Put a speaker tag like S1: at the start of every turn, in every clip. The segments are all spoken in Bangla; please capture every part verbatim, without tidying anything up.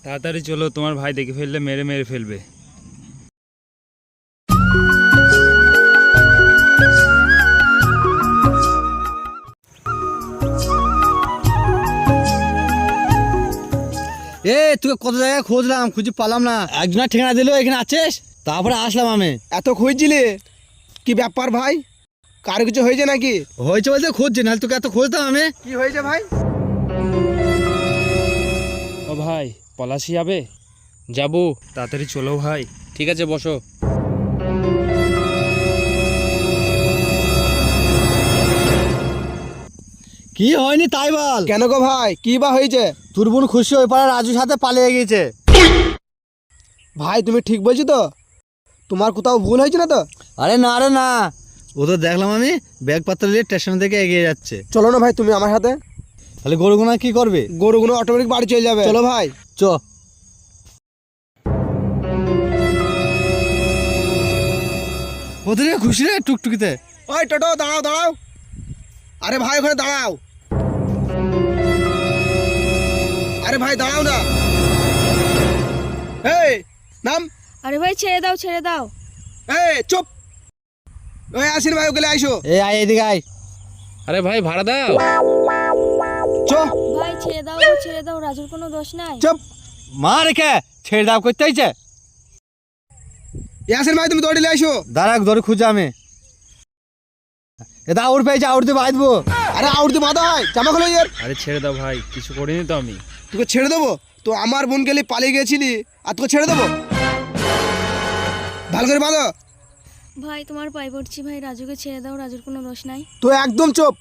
S1: তাড়াতাড়ি চলো, তোমার ভাই দেখে ফেললে মেরে মেরে ফেলবে।
S2: এ তোকে কত জায়গায় খুঁজলাম, খুঁজে পালাম না। একজনের ঠিকানা দিল এখানে আছিস, তারপরে আসলাম আমি।
S3: এত খুঁজছিলি কি ব্যাপার ভাই? কারো কিছু হয়েছে নাকি?
S2: হয়েছে বলতে খুঁজছি, নাহলে তোকে এত খুঁজতাম আমি।
S3: কি হয়েছে ভাই?
S1: ও ভাই, পলাশি যাবে?
S4: যাবো।
S1: তাড়াতাড়ি চলো ভাই।
S4: ঠিক আছে, বসো।
S2: কি হয়নি তাই বল।
S3: কেন গো ভাই, কি বা হয়েছে?
S2: তোর বোন খুশি ওই পাড়ার রাজুর সাথে পালিয়ে গিয়েছে।
S3: ভাই তুমি ঠিক বলছো তো? তোমার কোথাও ভুল হয়েছে না তো?
S2: আরে না রে না, ও তো দেখলাম আমি ব্যাগপত্র নিয়ে স্টেশন থেকে এগিয়ে যাচ্ছে।
S3: চলো না ভাই তুমি আমার সাথে।
S2: তাহলে গরুগুনা কি করবে?
S3: গরুগুলো অটোমেটিক বাড়ি চলে যাবে। চলো ভাই।
S2: চ। কোথায় খুশি রে টুকটুকিতে?
S3: ওই টোটো দাঁড়াও দাঁড়াও। আরে ভাই ওখানে দাঁড়াও। আরে ভাই দাঁড়াও না। এই নাম।
S5: আরে ভাই ছেড়ে দাও ছেড়ে দাও।
S3: এই চুপ। ওই আসেন ভাই, ওকে আইসো।
S2: এই আয় এদিকে আয়।
S4: আরে ভাই ভাড়া দাও।
S3: চো
S5: ভাই ছেড়ে দাও ছেড়ে দাও, রাজুর কোনো দোষ নাই।
S3: চুপ।
S2: মা রেখে ছেড়ে দাও করতে হয়েছে।
S3: আসেন ভাই তুমি দৌড়ে আইসো।
S2: দাঁড়া ধরে খুঁজে আমি। এটা আউট পেয়েছে, আউট দিয়ে বাঁধবো।
S3: আরে আউট দিয়ে বাঁধা হয়, জামা খোলো এর।
S1: আরে ছেড়ে দাও ভাই, কিছু করিনি তো আমি।
S3: তোকে ছেড়ে দেবো? তো আমার বোন গেলে পালিয়ে গেছিলি আর তোকে ছেড়ে দেবো? ভালো করে বাঁধো।
S5: ভাই তোমার পায়ে পড়ছি ভাই, রাজুকে ছেড়ে দাও, রাজুর কোনো দোষ নাই।
S3: তো একদম চুপ।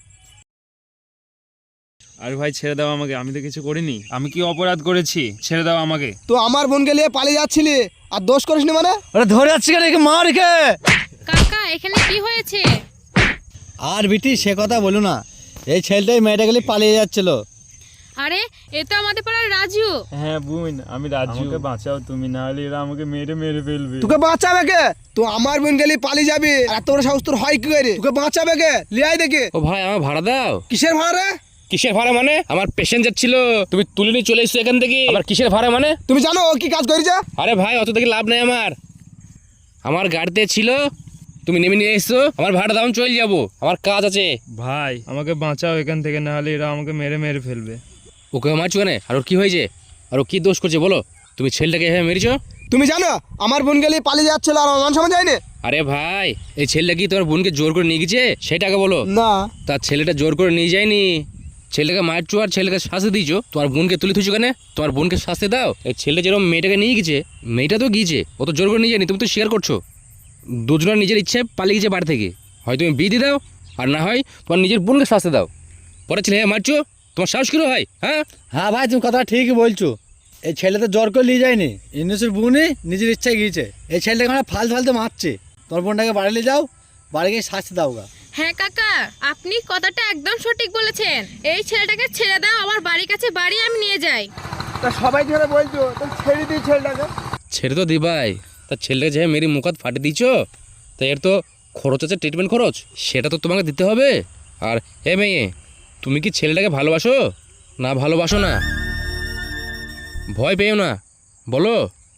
S1: আরে ভাই ছেড়ে দাও আমাকে, আমি তো কিছু করিনি। আমি কি অপরাধ করেছি? ছেড়ে দাও আমাকে।
S3: তো আমার বোন গেলে পালিয়ে যাচ্ছিলি আর দোষ করিসনি মানে?
S2: ওরা ধরে যাচ্ছে কেন? একে মা রেখে।
S5: কাকা এখানে কি হয়েছে?
S2: আর বিটি সে কথা বলো না, এই ছেলেটাই মেয়েটা গেলে পালিয়ে যাচ্ছিল।
S5: আরে এ তো আমাদের পাড়ার রাজু।
S1: হ্যাঁ বোন, আমি রাজু। আমাকে বাঁচাও তুমি, না হলে এরা আমাকে মেরে মেরে ফেলবে।
S3: তোকে বাঁচাবে কে? তো আমার বোন গেলে পালিয়ে যাবি, এত বড় সাহস তোর হয় কি করে? তোকে বাঁচাবে কে? লিয়াই দেখে।
S4: ও ভাই আমার ভাড়া দাও।
S3: কিসের ভাড়া রে?
S4: কিসের ভাড়া মানে? আমার প্যাসেঞ্জার ছিল, তুমি তুলে নিয়ে চলে এসছো এখান থেকে। আবার কিসের ভাড়া মানে?
S3: তুমি জানো ও কি কাজ করেছে?
S4: আরে ভাই অত থেকে লাভ নেই আমার। আমার গাড়িতে ছিল, তুমি নেমে নিয়ে এসছো, আমার ভাড়া দাও, চলে যাবো, আমার কাজ আছে।
S1: ভাই আমাকে বাঁচাও এখান থেকে, না হলে এরা আমাকে মেরে মেরে ফেলবে।
S4: ওকে মারছো কেন? আর ওর কি হয়েছে? আর ও কি দোষ করছে বলো? তুমি ছেলেটাকে এভাবে মেরেছো?
S3: তুমি জানো আমার বোন গেলে পালিয়ে যাচ্ছিল আর আমার সময় যায়নি?
S4: আরে ভাই এই ছেলেটা কি তোমার বোনকে জোর করে নিয়ে গেছে সেটাকে বলো।
S3: না।
S4: তার ছেলেটা জোর করে নিয়ে যায়নি, ছেলেটাকে মারছো আর ছেলেকে শাস্তি দিয়েছো। তোমার বোনকে তুলে থুইছো কেন? তোমার বোনকে শাস্তি দাও। এই ছেলে যেরকম মেয়েটাকে নিয়ে গেছে, মেয়েটা তো গিয়েছে, ও তো জোর করে নিয়ে যায়নি, তুমি তো স্বীকার করছো। দুজনের নিজের ইচ্ছে পালিয়ে গেছে বাড়ি থেকে। হয় তুমি বিয়ে দিয়ে দাও, আর না হয় তোমার নিজের বোনকে শাস্তি দাও। পরে ছেলে হ্যাঁ মারছো, তোমার সাহস কিরো হয়? হ্যাঁ
S2: হ্যাঁ ভাই তুমি কথা ঠিকই বলছো, এই ছেলে তো জ্বর করে নিয়ে যায়নি, ইন্দ্রেশের বোনই নিজের ইচ্ছায় গিয়েছে। এই ছেলেটাকে আমরা ফালতু ফালতু মারছে। তোর বোনটাকে বাড়ি নিয়ে যাও, বাড়ি গিয়ে শাস্তি দাও গা।
S6: হ্যাঁ কাকা, আপনি কথাটা একদম সঠিক বলেছেন। এই ছেলেটাকে ছেড়ে দাও, আমার বাড়ির কাছে বাড়ি, আমি নিয়ে যাই।
S3: তা সবাই ধরে বলছো, তো ছেড়ে দিই ছেলেটাকে।
S4: ছেড়ে তো দিবাই, তা ছেলেটাকে যে মেরি মুখাত ফাটে দিয়েছো, তা এর তো খরচ আছে, ট্রিটমেন্ট খরচ, সেটা তো তোমাকে দিতে হবে। আর হে মেয়ে, তুমি কি ছেলেটাকে ভালোবাসো না ভালোবাসো না? ভয় পেও না, বলো।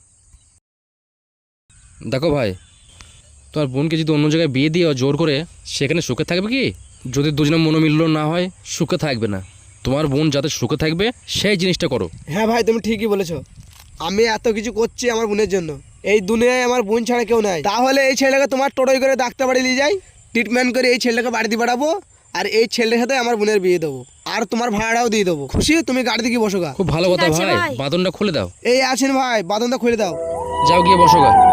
S4: দেখো ভাই, তোমার বোনকে যদি অন্য জায়গায় বিয়ে দিও জোর করে, সেখানে সুখে থাকবে কি? যদি দুজনের মনোমিল্য না হয়, সুখে থাকবে না। তোমার বোন যাতে সুখে থাকবে সেই জিনিসটা করো।
S3: হ্যাঁ ভাই তুমি ঠিকই বলেছো, আমি এত কিছু করছি আমার বোনের জন্য। এই দুনিয়ায় আমার বোন ছাড়া কেউ নাই। তাহলে এই ছেলেটাকে তোমার টোটোয় করে ডাক্তার বাড়ি নিয়ে যাই, ট্রিটমেন্ট করে এই ছেলেটাকে বাড়িতে পাঠাবো, আর এই ছেলের সাথে আমার বোনের বিয়ে দেবো, আর তোমার ভাড়াও দিয়ে দেবো। খুশি? তুমি গাড়িতে গিয়ে বসো গা।
S4: খুব ভালো কথা
S5: ঠিক আছে
S4: ভাই,
S5: ভাই।
S4: বাদনটা খুলে দাও।
S3: এই আছেন ভাই, বাদনটা খুলে দাও।
S4: যাও গিয়ে বসো গা।